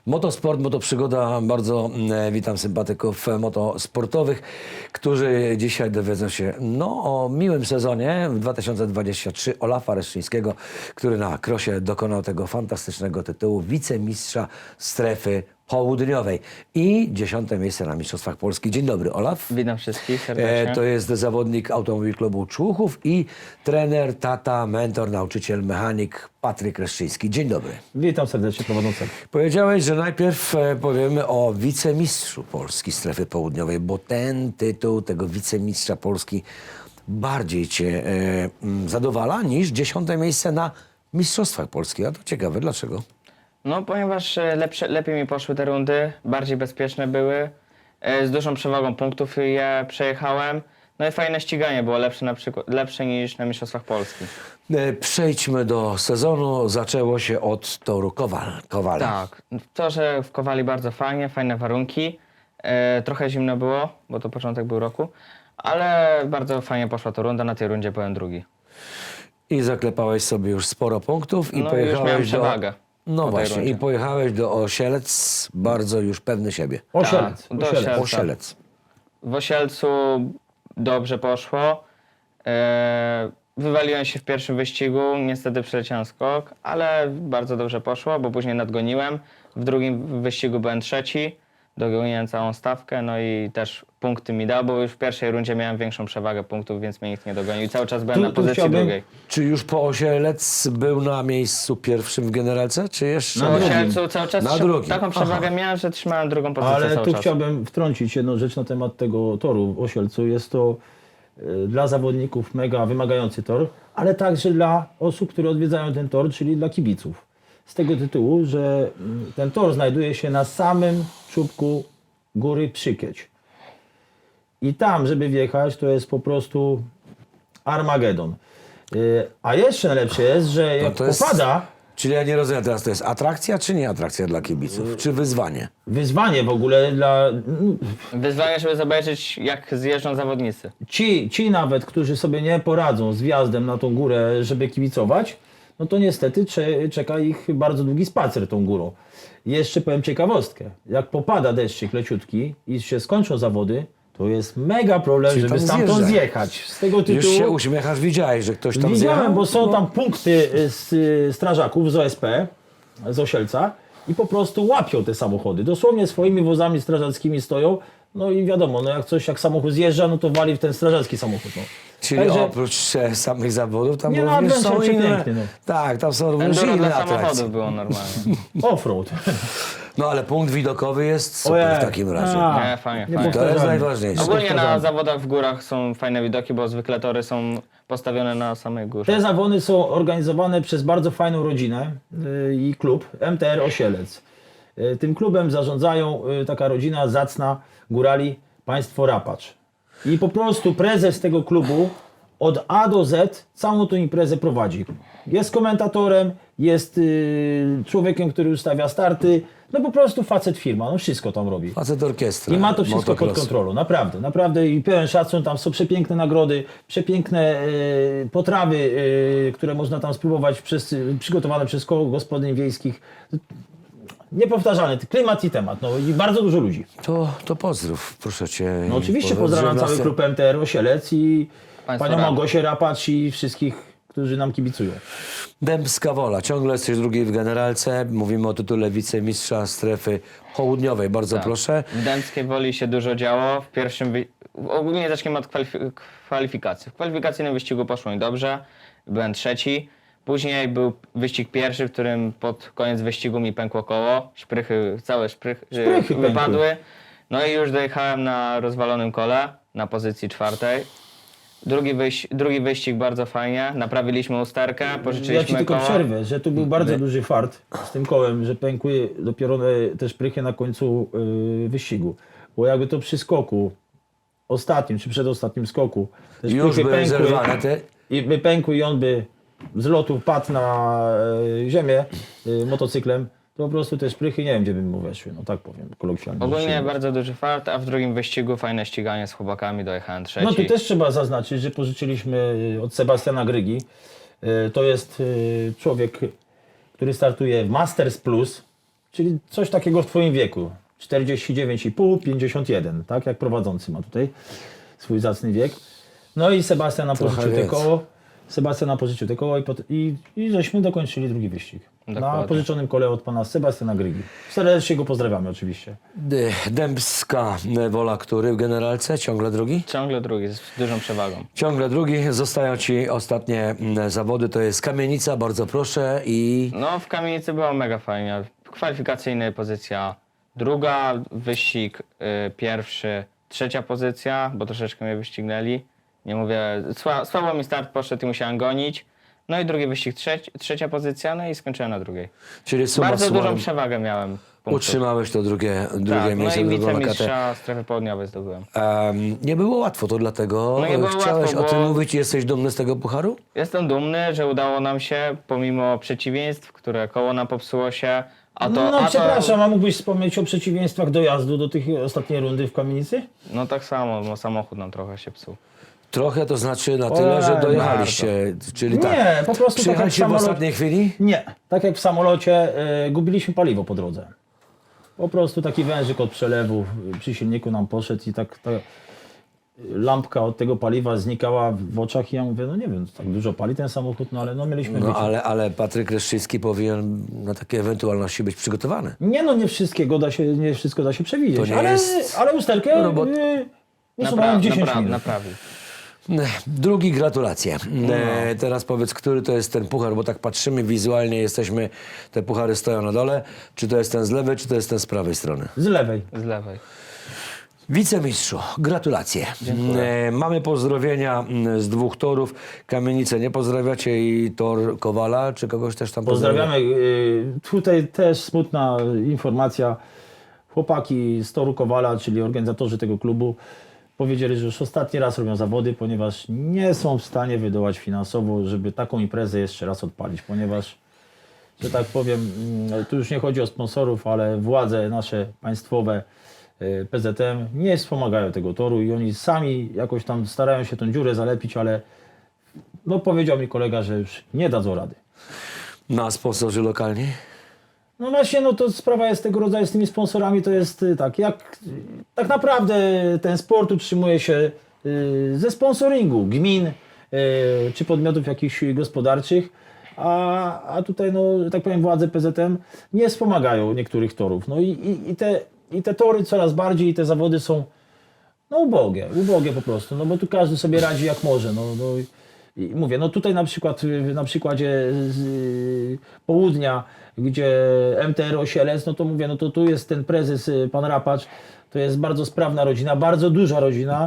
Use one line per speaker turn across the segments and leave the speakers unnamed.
Motosport, motoprzygoda. Bardzo witam sympatyków motosportowych, którzy dzisiaj dowiedzą się o miłym sezonie w 2023 Olafa Reszczyńskiego, który na krosie dokonał tego fantastycznego tytułu wicemistrza strefy południowej i 10. miejsce na Mistrzostwach Polski. Dzień dobry, Olaf.
Witam wszystkich serdecznie.
To jest zawodnik Automobil Klubu Człuchów i trener, tata, mentor, nauczyciel, mechanik Patryk Reszczyński. Dzień dobry.
Witam serdecznie prowadzącego.
Powiedziałeś, że najpierw powiemy o wicemistrzu Polski strefy południowej, bo ten tytuł tego wicemistrza Polski bardziej Cię zadowala niż 10. miejsce na Mistrzostwach Polski. A to ciekawe, dlaczego?
No, ponieważ lepiej mi poszły te rundy, bardziej bezpieczne były, z dużą przewagą punktów je przejechałem. No i fajne ściganie było lepsze niż na Mistrzostwach Polski.
Przejdźmy do sezonu. Zaczęło się od toru Kowala.
Tak, to, że w Kowali bardzo fajne warunki. Trochę zimno było, bo to początek był roku, ale bardzo fajnie poszła to runda, na tej rundzie byłem drugi.
I zaklepałeś sobie już sporo punktów i
No i
pojechałeś
już miałem przewagę.
No
po tej
właśnie,
rundzie.
i pojechałeś do Osielec bardzo już pewny siebie.
Osielec.
do
Osielec.
Osielca.
Osielec.
W Osielcu dobrze poszło. Wywaliłem się w pierwszym wyścigu, niestety przeleciałem skok, ale bardzo dobrze poszło, bo później nadgoniłem. W drugim wyścigu byłem trzeci, dogoniłem całą stawkę, no i też punkty mi dał, bo już w pierwszej rundzie miałem większą przewagę punktów, więc mnie nikt nie dogonił. I cały czas byłem
Tu
na pozycji
chciałbym-
drugiej.
Czy już po Osielec był na miejscu pierwszym w generalce, czy jeszcze?
No, w Osielcu cały czas
Na drugim.
taką przewagę miałem, że trzymałem drugą pozycję
Ale
cały
tu
czas.
chciałbym wtrącić jedną rzecz na temat tego toru w Osielcu. Jest to dla zawodników mega wymagający tor, ale także dla osób, które odwiedzają ten tor, czyli dla kibiców. Z tego tytułu, że ten tor znajduje się na samym czubku góry Przykieć. I tam, żeby wjechać, to jest po prostu Armagedon. A jeszcze najlepsze jest, że jak
to jest-
popada,
Czyli ja nie rozumiem teraz, to jest atrakcja, czy nie atrakcja dla kibiców? Czy wyzwanie?
wyzwanie w ogóle dla
Wyzwanie, żeby zobaczyć, jak zjeżdżą zawodnicy.
ci nawet, którzy sobie nie poradzą z wjazdem na tą górę, żeby kibicować, no to niestety czeka ich bardzo długi spacer tą górą. Jeszcze powiem ciekawostkę. Jak popada deszczyk leciutki i się skończą zawody, to jest mega problem,
Czyli
żeby
tam
stamtąd
zjeżdżać.
zjechać. Z tego
Już się
tytułu
uśmiechasz, widziałeś, że ktoś tam
widziałem,
zjechał?
bo są tam punkty strażaków z OSP, z Osielca i po prostu łapią te samochody. Dosłownie swoimi wozami strażackimi stoją. No i wiadomo, no jak samochód zjeżdża, no to wali w ten strażacki samochód. No.
Czyli
Także-
oprócz samych zawodów tam
Nie, no,
również są
adventure
inne.
przepiękny, no.
Tak, tam są również
Enduro
inne
dla
atrakcje.
samochodów było normalnie.
Offroad.
No ale punkt widokowy jest super
Ojej.
w takim razie.
A,
Nie, fajnie,
nie
fajnie.
To jest
powtarzamy.
najważniejsze.
Ogólnie na
powtarzamy.
zawodach w górach są fajne widoki, bo zwykle tory są postawione na samej górze.
Te zawody są organizowane przez bardzo fajną rodzinę i klub MTR Osielec. Tym klubem zarządzają taka rodzina zacna górali, państwo Rapacz. I po prostu prezes tego klubu od A do Z całą tą imprezę prowadzi. Jest komentatorem, jest człowiekiem, który ustawia starty. No po prostu facet firma, no wszystko tam robi.
Facet orkiestra.
I ma to wszystko pod
motocross.
kontrolą, naprawdę, naprawdę i pełen szacun, tam są przepiękne nagrody, przepiękne potrawy, które można tam spróbować przygotowane przez koło gospodyń wiejskich. Niepowtarzalny klimat i temat, no i bardzo dużo ludzi.
To pozdrów, proszę Cię.
No oczywiście
Pozdrów
pozdrawiam
nas-
cały klub MTR Osielec i
Państwo
panią
Rapacz.
Małgosię Rapacz i wszystkich, którzy nam kibicują.
Dębska Wola, ciągle jesteś drugi w generalce. Mówimy o tytule wicemistrza strefy południowej. Bardzo proszę.
W Dębskiej Woli się dużo działo. W pierwszym ogólnie zacznijmy od kwalifikacji. W kwalifikacyjnym wyścigu poszło mi dobrze. Byłem trzeci. Później był wyścig pierwszy, w którym pod koniec wyścigu mi pękło koło. Całe szprychy
Szprychy
wypadły. No i już dojechałem na rozwalonym kole, na pozycji czwartej. Drugi wyścig bardzo fajnie. Naprawiliśmy usterkę,
Ja
pożyczyliśmy
ci tylko
koła.
przerwę, że tu był bardzo duży fart z tym kołem, że pękły dopiero te szprychy na końcu wyścigu. Bo jakby to przy skoku, ostatnim czy przedostatnim skoku, te
Już
szprychy
były zerwane te.
i by pękły i on by z lotu padł na ziemię motocyklem, to po prostu te szprychy nie wiem gdzie by mu weszły, no tak powiem kolokwialnie.
Ogólnie bardzo duży fart, a w drugim wyścigu fajne ściganie z chłopakami, dojechałem trzeci.
No tu też trzeba zaznaczyć, że pożyczyliśmy od Sebastiana Grygi. To jest człowiek, który startuje w Masters Plus, czyli coś takiego w twoim wieku. 49,5, 51, tak jak prowadzący ma tutaj swój zacny wiek. No i Sebastian nam
Trochę
pożyczył te
więcej.
koło. Sebastian nam pożyczył te koło i żeśmy dokończyli drugi wyścig. Na
Dokładnie.
pożyczonym kole od pana Sebastiana Grygi. Serdecznie go pozdrawiamy oczywiście.
Dębska Wola, który w generalce? Ciągle drugi?
Ciągle drugi, z dużą przewagą.
Ciągle drugi. Zostają ci ostatnie zawody. To jest Kamienica, bardzo proszę. I
No, w kamienicy było mega fajnie. Kwalifikacyjny pozycja druga, wyścig pierwszy, trzecia pozycja, bo troszeczkę mnie wyścignęli. Nie mówię, słabo mi start poszedł i musiałem gonić. No i drugi wyścig, trzecia pozycja, no i skończyłem na drugiej.
czyli summa
Bardzo
summarum
dużą przewagę miałem punktów.
utrzymałeś to drugie
Tak, no
miejsce.
i
drugą lokatę.
wicemistrza strefy południowej zdobyłem.
Nie było łatwo, to dlatego
No nie było
chciałeś
łatwo,
o tym
bo-
mówić. Jesteś dumny z tego pucharu?
Jestem dumny, że udało nam się, pomimo przeciwieństw, które koło nam popsuło się,
Przepraszam, a mógłbyś wspomnieć o przeciwieństwach dojazdu do tych ostatniej rundy w Kamienicy?
No tak samo, bo samochód nam trochę się psuł.
Trochę to znaczy na tyle, że dojechaliście. Czyli tak.
Nie, po prostu tak jak w
Przyjechaliście w
samolocie.
ostatniej chwili?
Nie, tak jak w samolocie gubiliśmy paliwo po drodze. Po prostu taki wężyk od przelewu przy silniku nam poszedł i tak ta lampka od tego paliwa znikała w oczach i ja mówię, no nie wiem, tak dużo pali ten samochód, no ale no mieliśmy
No
wyciąg.
ale Patryk Reszczycki powinien na takie ewentualności być przygotowany.
Nie no, nie wszystko da się przewidzieć,
To nie jest
ale usterkę
robot.
usuwałem w 10 minut.
Naprawił.
Drugi, gratulacje.
No.
Teraz powiedz, który to jest ten puchar, bo tak patrzymy wizualnie, jesteśmy, te puchary stoją na dole. Czy to jest ten z lewej, czy to jest ten z prawej strony?
Z lewej.
Z lewej.
Wicemistrzu, gratulacje.
Dziękuję.
Mamy pozdrowienia z 2 torów. Kamienicę nie pozdrawiacie i tor Kowala, czy kogoś też tam
Pozdrawiamy. Tutaj też smutna informacja. Chłopaki z Toru Kowala, czyli organizatorzy tego klubu, powiedzieli, że już ostatni raz robią zawody, ponieważ nie są w stanie wydołać finansowo, żeby taką imprezę jeszcze raz odpalić, ponieważ, że tak powiem, tu już nie chodzi o sponsorów, ale władze nasze państwowe, PZM, nie wspomagają tego toru i oni sami jakoś tam starają się tą dziurę zalepić, ale no powiedział mi kolega, że już nie dadzą rady.
Na sponsorzy lokalni?
No właśnie, no to sprawa jest tego rodzaju z tymi sponsorami, to jest tak, jak tak naprawdę ten sport utrzymuje się ze sponsoringu gmin czy podmiotów jakichś gospodarczych, a tutaj, no tak powiem, władze PZM nie wspomagają niektórych torów. No i te tory coraz bardziej, i te zawody są no ubogie po prostu, no bo tu każdy sobie radzi jak może. I mówię, no tutaj na przykład na przykładzie południa, gdzie MTR Osielec, no to mówię, no to tu jest ten prezes, pan Rapacz, to jest bardzo sprawna rodzina, bardzo duża rodzina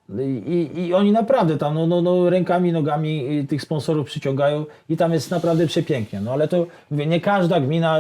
i oni naprawdę tam rękami, nogami tych sponsorów przyciągają i tam jest naprawdę przepięknie, no ale to mówię, nie każda gmina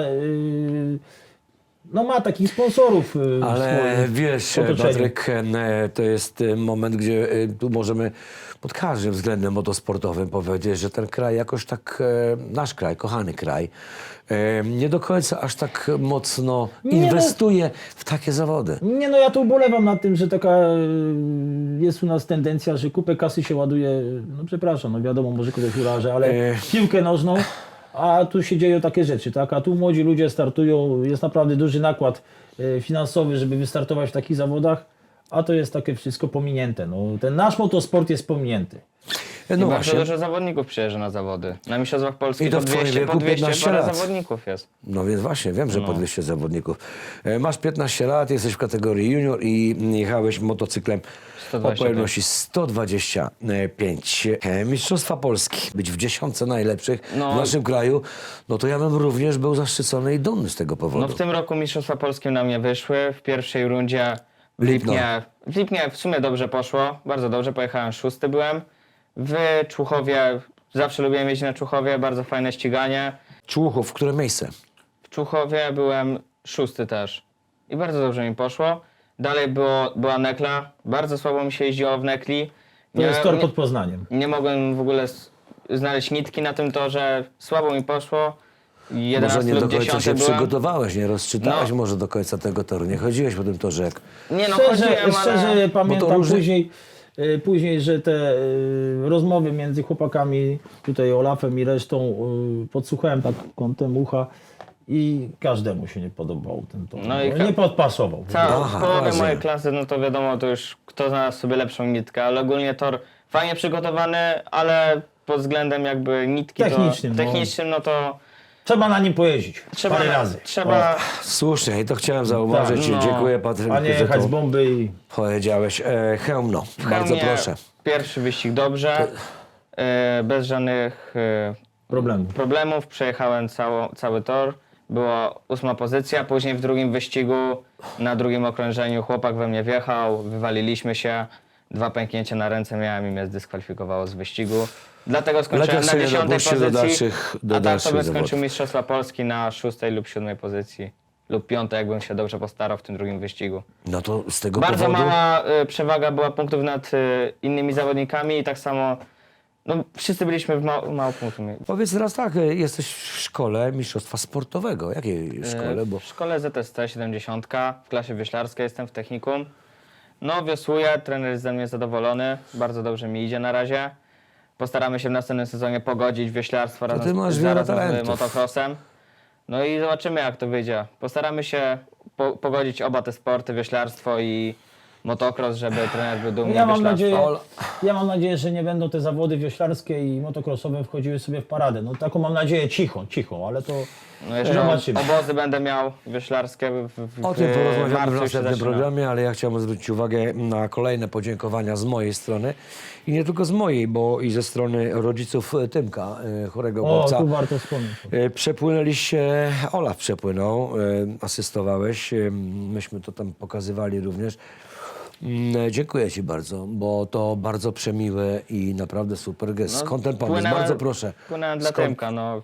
no ma takich sponsorów w
Ale
swoim
wiesz,
otoczeniu.
Patryk, to jest moment, gdzie tu możemy pod każdym względem motosportowym powiedzieć, że ten kraj jakoś tak, nasz kraj, kochany kraj, nie do końca aż tak mocno
no.
inwestuje w takie zawody.
Nie, no ja tu ubolewam nad tym, że taka jest u nas tendencja, że kupę kasy się ładuje, no przepraszam, no wiadomo, może kogoś urażę, ale piłkę nożną, a tu się dzieją takie rzeczy, tak? A tu młodzi ludzie startują, jest naprawdę duży nakład finansowy, żeby wystartować w takich zawodach, a to jest takie wszystko pominięte. No, ten nasz motosport jest pominięty.
No
I bardzo
właśnie,
dużo zawodników przyjeżdża na zawody. Na Mistrzostwach Polski
I to
po
w twoim
200,
wieku
po 200
15
parę
lat.
zawodników jest.
no więc właśnie, wiem, że po 200 zawodników. Masz 15 lat, jesteś w kategorii junior i jechałeś motocyklem o
125.
pojemności 125. Mistrzostwa Polski, być w 10 najlepszych w
No.
naszym kraju, no to ja bym również był zaszczycony i dumny z tego powodu.
No w tym roku Mistrzostwa Polskie na mnie wyszły. W pierwszej rundzie w Lipnie w sumie dobrze poszło, bardzo dobrze, pojechałem 6. byłem. W Człuchowie, zawsze lubiłem jeździć na Człuchowie, bardzo fajne ściganie.
Człuchów, które miejsce?
W Człuchowie byłem 6. też i bardzo dobrze mi poszło. Dalej była Nekla, bardzo słabo mi się jeździło w Nekli.
To jest tor pod Poznaniem.
Nie mogłem w ogóle znaleźć nitki na tym torze, słabo mi poszło. 11
Może nie do
lub
końca
10
się
byłem.
przygotowałeś, nie rozczytałeś
No.
może do końca tego toru, nie chodziłeś po tym torze jak...
Nie no,
Szczerze,
chodziłem,
szczerze
ale...
pamiętam
różnie-
później, że te rozmowy między chłopakami, tutaj Olafem i resztą, podsłuchałem tak kątem ucha i każdemu się nie podobał ten tor.
No i
nie podpasował.
Aha,
Połowę
rozumiem.
mojej klasy, no to wiadomo, to już kto znalazł sobie lepszą nitkę, ale ogólnie tor fajnie przygotowany, ale pod względem jakby nitki
Technicznym,
no to
Trzeba na nim pojeździć parę razy.
Trzeba,
Słusznie, i to chciałem zauważyć.
Tak, no.
Dziękuję, Patryk,
A nie
że
jechać
to
z bomby i...
powiedziałeś. Chełmno,
w
bardzo
Chełmie
proszę.
pierwszy wyścig dobrze, bez żadnych problemów, przejechałem cały tor. Była 8. pozycja, później w drugim wyścigu, na drugim okrążeniu chłopak we mnie wjechał, wywaliliśmy się, 2 pęknięcia na ręce miałem i mnie zdyskwalifikowało z wyścigu. Dlatego skończyłem
Lepiej
na
sobie
10.
dopuścił do
pozycji,
do
a tak
dalszych
sobie
zawodów.
skończył Mistrzostwa Polski na 6. lub 7. pozycji. Lub 5., jakbym się dobrze postarał w tym drugim wyścigu.
No to z tego
Bardzo
powodu...
mała przewaga była punktów nad innymi zawodnikami i tak samo, no wszyscy byliśmy w mało punktów.
Powiedz teraz tak, jesteś w szkole mistrzostwa sportowego. Jakiej szkole? Bo
W szkole ZSC 70, w klasie wioślarskiej jestem w technikum. No wiosłuję, trener jest ze mnie zadowolony, bardzo dobrze mi idzie na razie. Postaramy się w następnym sezonie pogodzić wioślarstwo
ty masz wiele
zarazem z
talentów.
motocrossem. No i zobaczymy jak to wyjdzie. Postaramy się pogodzić oba te sporty, wioślarstwo i motocross, żeby trener był dumny
Ja mam,
wioślarstwa.
ja mam nadzieję, że nie będą te zawody wioślarskie i motocrossowe wchodziły sobie w paradę. No taką mam nadzieję cicho, ale to
No jeszcze
zobaczymy.
obozy będę miał wioślarskie
o tym porozmawiamy w
marcu się
następnym
zaczyna.
programie, ale ja chciałbym zwrócić uwagę na kolejne podziękowania z mojej strony. I nie tylko z mojej, bo i ze strony rodziców Tymka, chorego
O,
chłopca.
tu warto wspomnieć.
Przepłynęliście, Olaf przepłynął, asystowałeś, myśmy to tam pokazywali również. Dziękuję Ci bardzo, bo to bardzo przemiłe i naprawdę super gest.
No,
Skąd ten pomysł?
płynąłem-
Bardzo proszę.
Płynąłem dla
Skąd-
Tymka, no.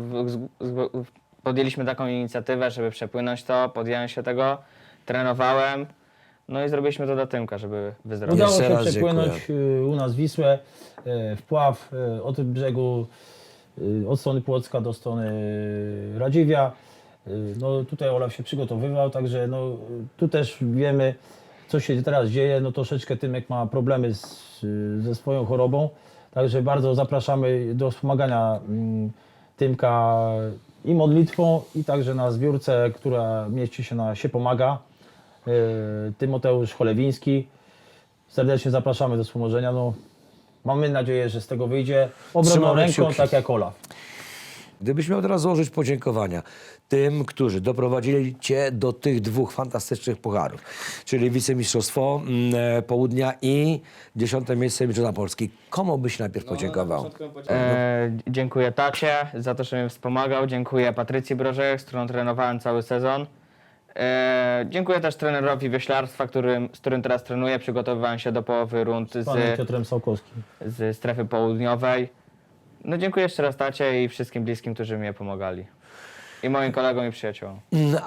Podjęliśmy taką inicjatywę, żeby przepłynąć to, podjąłem się tego, trenowałem, no i zrobiliśmy to dla Tymka, żeby wyzdrowieć.
Udało
Jeszcze
się
raz
przepłynąć u nas Wisłę, wpław od brzegu, od strony Płocka do strony Radziwia. No tutaj Olaf się przygotowywał, także no, tu też wiemy, co się teraz dzieje. No troszeczkę Tymek ma problemy ze swoją chorobą, także bardzo zapraszamy do wspomagania Tymka i modlitwą, i także na zbiórce, która mieści się na Się Pomaga. Tymoteusz Cholewiński. Serdecznie zapraszamy do wspomożenia. No, mamy nadzieję, że z tego wyjdzie obronną
Trzymamy
ręką,
kciuki.
tak jak Olaf.
Gdybyś miał teraz złożyć podziękowania tym, którzy doprowadzili Cię do tych 2 fantastycznych pucharów, czyli wicemistrzostwo Południa i 10. miejsce Mistrzostwa Polski. Komu byś najpierw podziękował?
Dziękuję tacie za to, że mnie wspomagał, dziękuję Patrycji Brożek, z którą trenowałem cały sezon. Dziękuję też trenerowi wioślarstwa, z którym teraz trenuję, przygotowywałem się do połowy rund
Panem Piotrem Sałkowskim.
z strefy południowej. No dziękuję jeszcze raz tacie i wszystkim bliskim, którzy mi pomagali. I moim kolegom i przyjaciołom.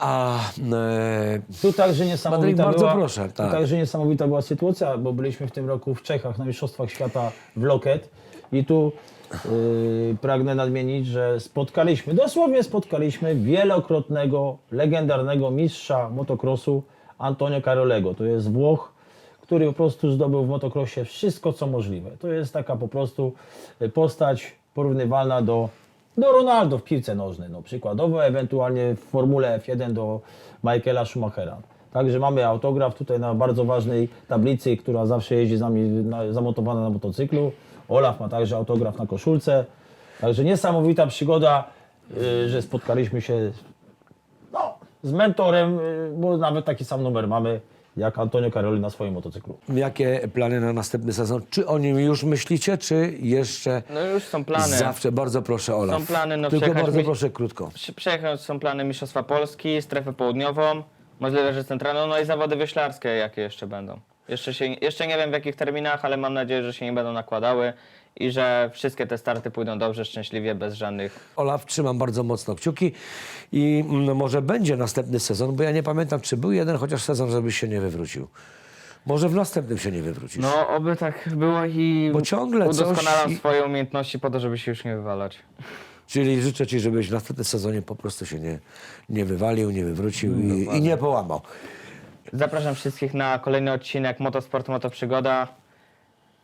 Tu także niesamowita
Patryk, bardzo
była,
proszę,
tu
tak.
także niesamowita była sytuacja, bo byliśmy w tym roku w Czechach na Mistrzostwach Świata w Loket i tu pragnę nadmienić, że dosłownie spotkaliśmy wielokrotnego, legendarnego mistrza motocrossu Antonio Carolego. To jest Włoch, który po prostu zdobył w motocrossie wszystko, co możliwe. To jest taka po prostu postać porównywalna do Ronaldo w piłce nożnej, no przykładowo, ewentualnie w Formule F1 do Michaela Schumachera. Także mamy autograf tutaj na bardzo ważnej tablicy, która zawsze jeździ z nami zamontowana na motocyklu. Olaf ma także autograf na koszulce. Także niesamowita przygoda, że spotkaliśmy się z mentorem, bo nawet taki sam numer mamy jak Antonio Caroli na swoim motocyklu.
Jakie plany na następny sezon? Czy o nim już myślicie, czy jeszcze
No już są plany.
zawsze? Bardzo proszę, Olaf.
Są plany, no
Tylko
przejechać
bardzo
mi-
proszę, krótko.
Przejechać są plany Mistrzostwa Polski, strefę południową, możliwe, że centralną, no i zawody wioślarskie, jakie jeszcze będą. Jeszcze nie wiem w jakich terminach, ale mam nadzieję, że się nie będą nakładały i że wszystkie te starty pójdą dobrze, szczęśliwie, bez żadnych...
Olaf, trzymam bardzo mocno kciuki i może będzie następny sezon, bo ja nie pamiętam, czy był jeden chociaż sezon, żebyś się nie wywrócił. Może w następnym się nie wywrócisz.
No, oby tak było i
Bo ciągle coś
udoskonalam
i-
swoje umiejętności po to, żeby się już nie wywalać.
Czyli życzę Ci, żebyś w następnym sezonie po prostu się nie wywalił, nie wywrócił i nie połamał.
Zapraszam wszystkich na kolejny odcinek Motosport, Motoprzygoda.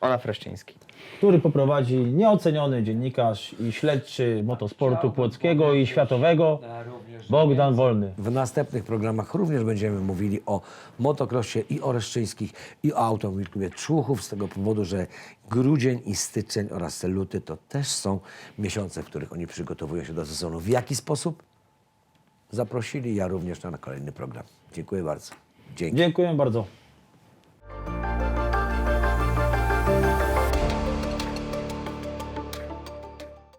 Olaf Reszczyński.
który poprowadzi nieoceniony dziennikarz i śledczy motosportu płockiego i światowego Bogdan Wolny.
W następnych programach również będziemy mówili o motocrossie i o Reszczyńskich i o automobilklubie Człuchów z tego powodu, że grudzień i styczeń oraz luty to też są miesiące, w których oni przygotowują się do sezonu. W jaki sposób? Zaprosili, ja również na kolejny program. Dziękuję bardzo. Dzięki.
Dziękuję bardzo.